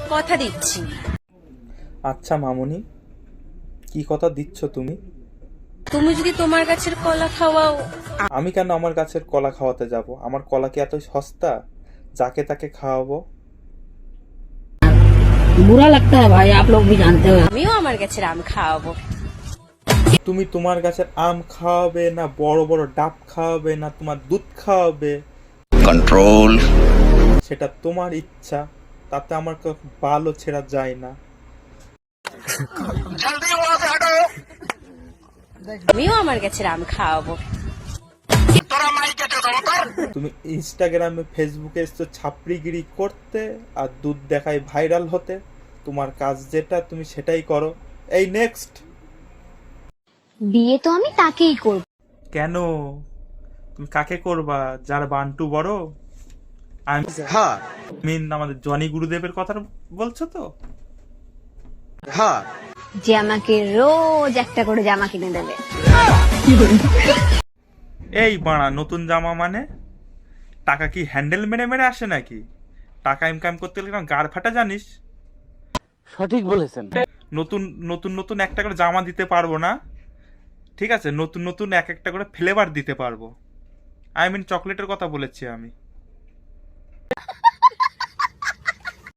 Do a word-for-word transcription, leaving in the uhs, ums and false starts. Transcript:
কথা দিচ্ছি। আচ্ছা মামুনি, কি কথা দিচ্ছ তুমি? তুমি যদি তোমার গাছের কলা খাওয়াও। আমি কেন আমার গাছের কলা খাওয়াতে যাব? আমার কলা কি এত সস্তা যাকে তাকে খাওয়াবো? बुरा लगता है भाई, आप लोग भी जानते हो। আমিও আমার গাছের আম খাওয়াবো। তুমি তোমার গাছের আম খাওয়াবে না বড় বড় ডাব খাওয়াবে না তোমার দুধ খাওয়াবে, कंट्रोल। সেটা তোমার ইচ্ছা, তাতে আমার কোনো বালও ছেড়া যায় না। আমিও আমার গাছের আম খাওয়াবো। তুমি ইনস্টাগ্রামে ফেসবুকে এসছো ছাপড়িগিরি করতে আর দুধ দেখায় ভাইরাল হতে। তোমার কাজ যেটা তুমি সেটাই করো। এই নেক্সট। বিয়ে তো আমি তাকেই করব। কেন? তুমি কাকে করবা? যার বান্টু বড়? আমি हाँ মিন আমাদের জনি গুরুদেবের কথা বলছো তো? हाँ যে আমাকে রোজ একটা করে জামা কিনে দেবে। এই বাড়া, নতুন জামা মানে? টাকা কি হ্যান্ডেল মেরে মেরে আসে নাকি? টাকা ইনকাম করতে গেলে কেন গাড় ফাটা জানিস? সঠিক বলেছেন। নতুন নতুন নতুন একটা করে জামা দিতে পারবো না, ঠিক আছে? নতুন নতুন এক একটা করে ফ্লেভার দিতে পারবো। আই মিন চকলেটের কথা বলেছি আমি।